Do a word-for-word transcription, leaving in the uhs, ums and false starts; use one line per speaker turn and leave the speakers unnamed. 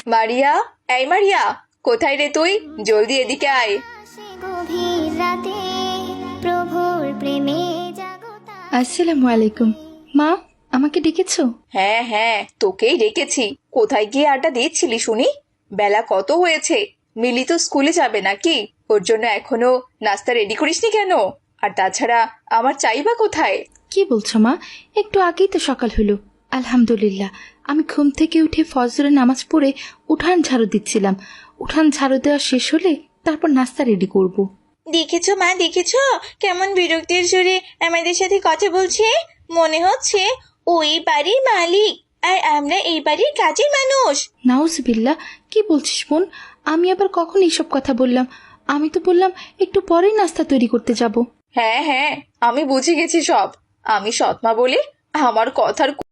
মারিয়া, এই মারিয়া, কোথায় রে তুই? জলদি এদিকে আয়।
আসসালামু আলাইকুম। মা, আমাকে ডেকেছো?
হ্যাঁ হ্যাঁ, তোকেই ডেকেছি। কোথায় গিয়ে আড্ডা দিচ্ছিলি শুনি? বেলা কত হয়েছে? মিলি তো স্কুলে যাবে নাকি? ওর জন্য এখনো নাস্তা রেডি করিসনি কেন? আর তাছাড়া আমার চাইবা কোথায়?
কি বলছো মা? একটু আগেই তো সকাল হলো। আলহামদুলিল্লাহ, আমি ঘুম থেকে উঠে ফজরের নামাজ পড়ে উঠান ঝাড়ু দিচ্ছিলাম। উঠান ঝাড়ু দেওয়া শেষ হলে তারপর নাস্তা রেডি করব।
দেখেছো মা, দেখেছো কেমন বিরক্তির সুরে আমাদের সাথে কথা বলছে? মনে হচ্ছে ওই বাড়ির মালিক আর আমরা এই বাড়ির কাজের মানুষ।
নাউজুবিল্লাহ, কি বলছিস বোন? আমি আবার কখন এইসব কথা বললাম? আমি তো বললাম একটু পরেই নাস্তা তৈরি করতে যাব।
হ্যাঁ হ্যাঁ, আমি বুঝে গেছি সব। আমি সৎমা বলে আমার কথার